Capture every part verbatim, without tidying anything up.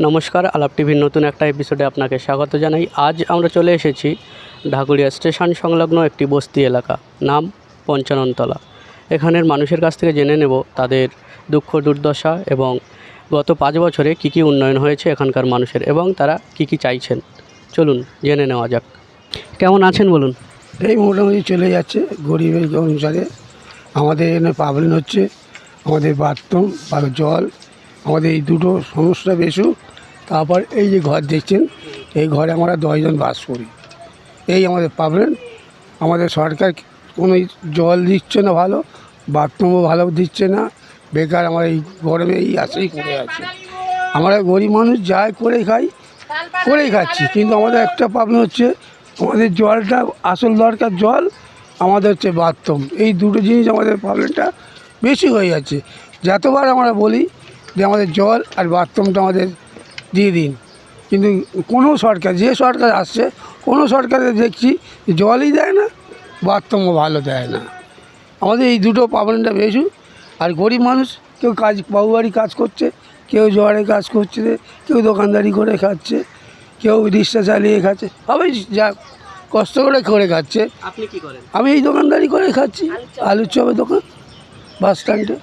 নমস্কার, আলাপ টিভির নতুন একটা এপিসোডে আপনাকে স্বাগত জানাই। আজ আমরা চলে এসেছি ঢাকুরিয়া স্টেশন সংলগ্ন একটি বস্তি এলাকা, নাম পঞ্চাননতলা। এখানের মানুষের কাছ থেকে জেনে নেব তাদের দুঃখ দুর্দশা এবং গত পাঁচ বছরে কী কী উন্নয়ন হয়েছে এখানকার মানুষের এবং তারা কী কী চাইছেন। চলুন জেনে নেওয়া যাক। কেমন আছেন বলুন? এই মোটামুটি চলে যাচ্ছে গরিবের অনুসারে। আমাদের এখানে প্রবলেম হচ্ছে আমাদের বাথরুম বা জল, আমাদের এই দুটো সমস্যা বেশি। তারপর এই যে ঘর দেখছেন, এই ঘরে আমরা দশজন বাস করি, এই আমাদের প্রবলেম। আমাদের সরকার কোনো জল দিচ্ছে না, ভালো বাথরুমও ভালো দিচ্ছে না। বেকার আমরা এই গরমে এই আশেই করে আছি। আমরা গরিব মানুষ যাই করে খাই, করেই খাচ্ছি, কিন্তু আমাদের একটা প্রবলেম হচ্ছে আমাদের জলটা আসল দরকার জল, আমাদের হচ্ছে বাথরুম। এই দুটো জিনিস আমাদের প্রবলেমটা বেশি হয়ে যাচ্ছে। যতবার আমরা বলি যে আমাদের জল আর বাথরুমটা আমাদের দিয়ে দিন, কিন্তু কোনো সরকার, যে সরকার আসছে কোনো সরকারে দেখছি জলই দেয় না, বাথরুমও ভালো দেয় না। আমাদের এই দুটো প্রবলেমটা বেশি। আর গরিব মানুষ কেউ কাজ বাবুবাড়ি কাজ করছে, কেউ জোয়ারে কাজ করছে, কেউ দোকানদারি করে খাচ্ছে, কেউ রিক্সা চালিয়ে খাচ্ছে, সবাই যা কষ্ট করে করে খাচ্ছে। আপনি কি করেন? আমি এই দোকানদারি করে খাচ্ছি, আলুর চপের দোকান বাস স্ট্যান্ডে।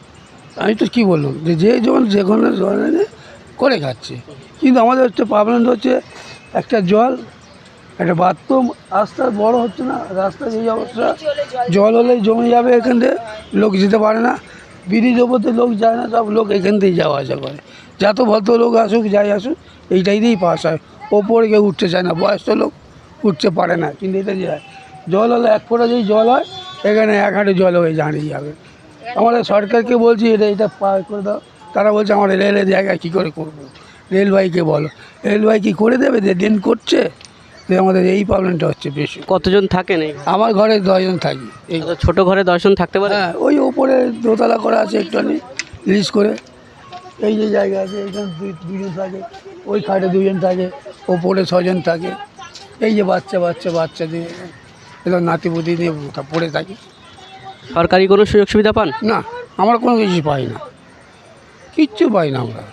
আমি তো কী বললাম যে যে যখন যে কোনো ধরনের করে খাচ্ছে, কিন্তু আমাদের হচ্ছে প্রবলেম হচ্ছে একটা জল, একটা বাথরুম। রাস্তা বড় হচ্ছে না, রাস্তা এই অবস্থা, জল হলেই জমে যাবে, এখান থেকে লোক যেতে পারে না। ব্রিজ ওপরতে লোক যায় না, সব লোক এখান থেকেই যাওয়া আসা করে। যত ভদ্র লোক আসুক যাই আসুক এইটাই দিয়েই পাস হয়। ওপরে কেউ উঠতে চায় না, বয়স্ক লোক উঠতে পারে না, কিন্তু এটা যায়। জল হলে এক ফোঁটা যদি জল হয়, এখানে এক হাঁটু জল হয়ে দাঁড়িয়ে যাবে। আমাদের সরকারকে বলছি এটা এটা পার করে দাও, তারা বলছে আমরা রেলের জায়গায় কী করে করবো, রেলওয়াইকে বলো। রেলওয়াই কি করে দেবে, যে ড্রেন করছে। তো আমাদের এই প্রবলেমটা হচ্ছে বেশি। কতজন থাকেন এই? আমার ঘরে দশজন থাকি। এই ছোট ঘরে দশজন থাকতে পারে? হ্যাঁ, ওই ওপরে দোতলা করা আছে একটুখানি লিজ করে। এই যে জায়গা আছে এখানে দুই দুজন থাকে, ওই খাটে দুজন থাকে, ওপরে ছজন থাকে। এই যে বাচ্চা বাচ্চা বাচ্চা দিয়ে এবার নাতিপুতি নিয়ে পড়ে থাকি। সরকারি কোনো সুযোগ সুবিধা পান? না, আমরা কোনো কিছু পাই না, কিচ্ছু পাই না আমরা।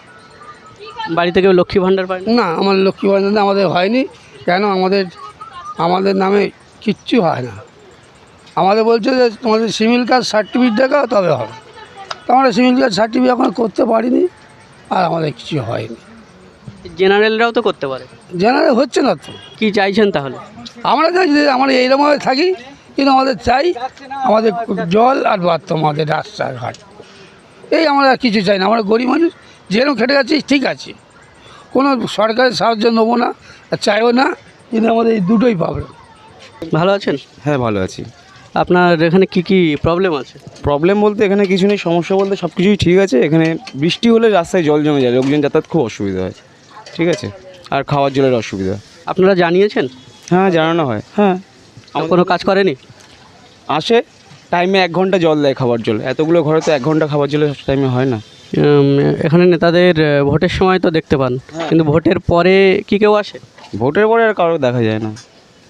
বাড়ি থেকে লক্ষ্মী ভাণ্ডার পাই না, আমার লক্ষ্মী ভাণ্ডার আমাদের হয়নি। কেন আমাদের আমাদের নামে কিচ্ছু হয় না। আমাদের বলছে যে তোমাদের সিভিল কাজ সার্টিফিকেট দেখাও তবে হবে। তো আমরা সিভিল কাজ সার্টিফিকেট এখন করতে পারিনি, আর আমাদের কিছু হয়নি। জেনারেলরাও তো করতে পারে। জেনারেল হচ্ছে না তো। কি চাইছেন তাহলে? আমরা চাই যে আমরা এইরকমভাবে থাকি, কিন্তু আমাদের চাই আমাদের জল আর বাথরুম, আমাদের রাস্তাঘাট, এই আমরা আর কিছু চাই না। আমরা গরিব মানুষ, যেরকম খেটে যাচ্ছি ঠিক আছে, কোনো সরকারের সাহায্য নেবো না আর চাইও না, কিন্তু আমাদের এই দুটোই প্রবলেম। ভালো আছেন? হ্যাঁ, ভালো আছি। আপনার এখানে কি কি প্রবলেম আছে? প্রবলেম বলতে এখানে কিছু নেই, সমস্যা বলতে সব কিছুই ঠিক আছে। এখানে বৃষ্টি হলে রাস্তায় জল জমে যায়, লোকজন যাতায়াত খুব অসুবিধা হয়, ঠিক আছে। আর খাওয়ার জলের অসুবিধা। আপনারা জানিয়েছেন? হ্যাঁ, জানানো হয়। হ্যাঁ, আমার কোনো কাজ করেনি? আসে টাইমে এক ঘন্টা জল দেয়, খাবার জল। এতগুলো ঘরে তো এক ঘন্টা খাবার জলের টাইমে হয় না। উম, এখানে নেতাদের আহ, ভোটের সময় তো দেখতে পান, কিন্তু ভোটের পরে কি কেউ আসে? ভোটের পরে আর কারো দেখা যায় না।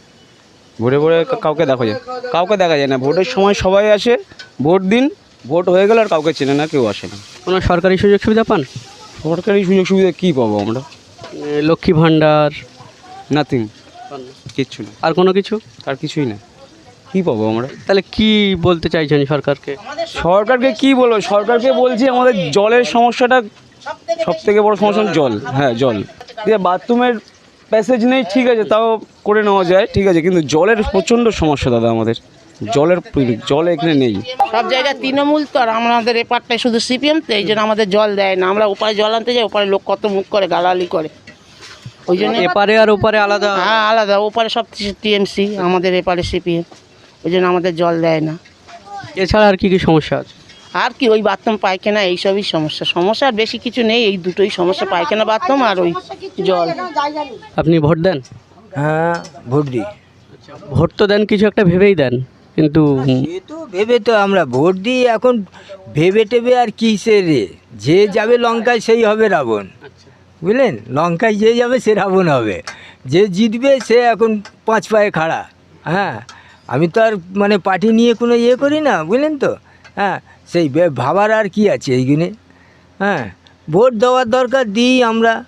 ভোটের পরে কাউকে দেখা যায় কাউকে দেখা যায় না। ভোটের সময় সবাই আসে, ভোট দিন, ভোট হয়ে গেলে আর কাউকে চেনে না, কেউ আসে না। কোনো সরকারি সুযোগ সুবিধা পান? সরকারি সুযোগ সুবিধা কী পাবো আমরা? আহ, লক্ষ্মী ভাণ্ডার? নাথিং, কিচ্ছু না। আর কোনো কিছু? আর কিছুই না, কী পাবো আমরা? তাহলে কি বলতে চাইছেন সরকারকে? সরকারকে কি বলবো? সরকারকে বলছি আমাদের জলের সমস্যাটা সব থেকে বড় সমস্যা, জল। হ্যাঁ, জল দিয়ে বাথরুমের প্যাসেজ নেই, ঠিক আছে, তাও করে নেওয়া যায়, ঠিক আছে, কিন্তু জলের প্রচণ্ড সমস্যা দাদা। আমাদের জলের জল এখানে নেই। সব জায়গায় তৃণমূল তো, আর আমাদের এপারটায় শুধু সিপিএম, তো এই জন্য আমাদের জল দেয় না। আমরা ওপারে জল আনতে যাই, ওপারে লোক কত মুখ করে গালাগালি করে, ওই জন্য। এপারে আর ওপারে আলাদা? হ্যাঁ, আলাদা। ওপারে সব টিএমসি, আমাদের এপারে সিপিএম, ওই জন্য আমাদের জল দেয় না। এছাড়া আর কি কি সমস্যা আছে? আর কি, ওই বাথরুম পায়খানা, এইসবই সমস্যা। সমস্যা আর বেশি কিছু নেই, এই দুটোই সমস্যা, পায়খানা বাথরুম আর ওই জল। আপনি ভোট দেন? হ্যাঁ, ভোট দিই। ভোট তো দেন কিছু একটা ভেবেই দেন, কিন্তু সে তো ভেবে তো আমরা ভোট দিই। এখন ভেবে টেবে আর কিসের রে, যে যাবে লঙ্কায় সেই হবে রাবণ, বুঝলেন? লঙ্কায় যে যাবে সে রাবণ হবে, যে জিতবে সে এখন পাঁচ পায়ে খাড়া। হ্যাঁ, আমি তো আর মানে পার্টি নিয়ে কোনো ইয়ে করি না, বুঝলেন তো। হ্যাঁ, সেই ভাবার আর কি আছে এইগুলো। হ্যাঁ, ভোট দেওয়ার দরকার, দিই আমরা,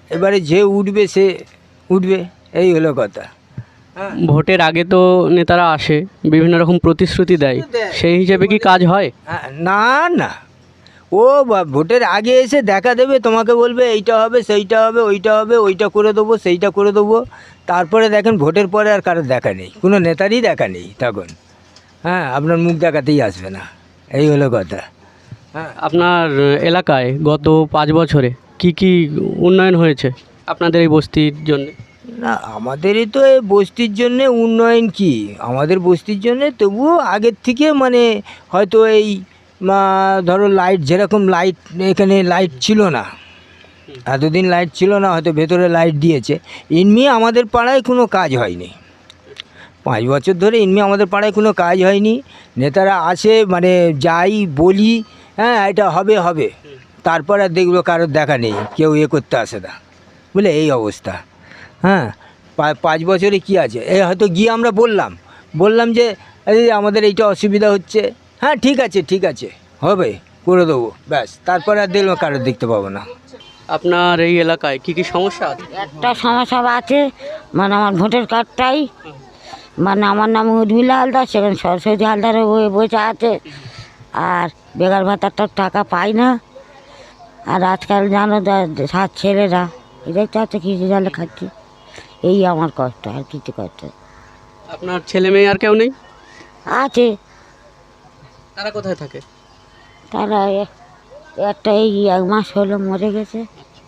এবারে যে উঠবে সে উঠবে, এই হলো কথা। ভোটের আগে তো নেতারা আসে, বিভিন্ন রকম প্রতিশ্রুতি দেয়, সেই হিসেবে কি কাজ হয়? হ্যাঁ, না না, ও বা- ভোটের আগে এসে দেখা দেবে, তোমাকে বলবে এইটা হবে সেইটা হবে ওইটা হবে, ওইটা করে দেবো সেইটা করে দেবো। তারপরে দেখেন ভোটের পরে আর কারোর দেখা নেই, কোনো নেতারই দেখা নেই তখন। হ্যাঁ, আপনার মুখ দেখাতেই আসবে না, এই হলো কথা। হ্যাঁ, আপনার এলাকায় গত পাঁচ বছরে কি কি উন্নয়ন হয়েছে আপনাদের এই বস্তির জন্য? না আমাদেরই তো এই বস্তির জন্যে উন্নয়ন কি, আমাদের বস্তির জন্যে তবুও আগের থেকে মানে হয়তো এই মা, ধরো লাইট, যেরকম লাইট এখানে লাইট ছিল না, এতদিন লাইট ছিল না, হয়তো ভেতরে লাইট দিয়েছে। এমনি আমাদের পাড়ায় কোনো কাজ হয়নি, পাঁচ বছর ধরে এমনি আমাদের পাড়ায় কোনো কাজ হয়নি। নেতারা আসে মানে যাই বলি, হ্যাঁ এটা হবে হবে, তারপর আর দেখলো কারোর দেখা নেই, কেউ এ করতে আসে না, বুঝলে এই অবস্থা। হ্যাঁ, পা- পাঁচ বছরে কি আছে, এই হয়তো গিয়ে আমরা বললাম বললাম যে এই আমাদের এইটা অসুবিধা হচ্ছে, হ্যাঁ ঠিক আছে ঠিক আছে হবে করে দেবো, ব্যাস, তারপরে আর দেখলাম কারোর দেখতে পাবো না। আপনার এই এলাকায় কি কি সমস্যা আছে? একটা সমস্যা আছে, মানে আমার ভোটার কার্ডটাই, মানে আমার নাম উর্মিলা হালদার, সেখানে সরস্বতী হালদারের বই বসে আছে, আর বেকার ভাতারটার টাকা পাই না। আর আজকাল জানো যা- সাত ছেলেরা এটাই তো আছে কিছু জালে খাচ্ছি, এই আমার কষ্ট, আর কিছু কষ্ট নেই। আপনার ছেলে মেয়ে আর কেউ নেই? আছে, তারা কোথায় থাকে? তারা এ- একটা এই এক মাস হলো মরে গেছে,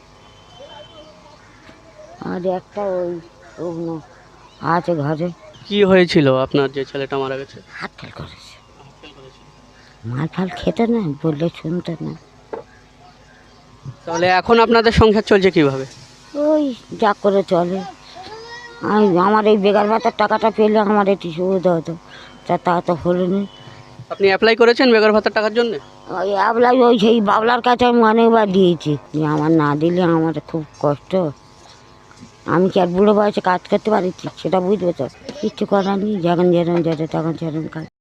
আর একটা ওই ওগুলো আছে ঘরে, কি হয়েছিল আপনার যে ছেলেটা মারা গেছে? হাত ফেল করেছে, মাল ফাল খেতে না, বললে শুনতে না। তাহলে এখন আপনাদের সংসার চলছে কিভাবে? ওই যা করে চলে, আমি আমার এই বেকার ভাতার টাকাটা পেলে আমার একটু সুবিধা হতো, তা তা তো হলো না। আপনি অ্যাপ্লাই করেছেন বেকার ভাতার টাকার জন্য? ওই আবলাই ওই সেই বাবলার কাছে আমি অনেকবার দিয়েছি, যে আমার না দিলে আমার খুব কষ্ট, আমি কি আর বুড়ো বয়সে কাজ করতে পারি, সেটা বুঝবে তো, কিচ্ছু করার নেই, যখন যেরকম যেটা তখন সেরকম কাজ।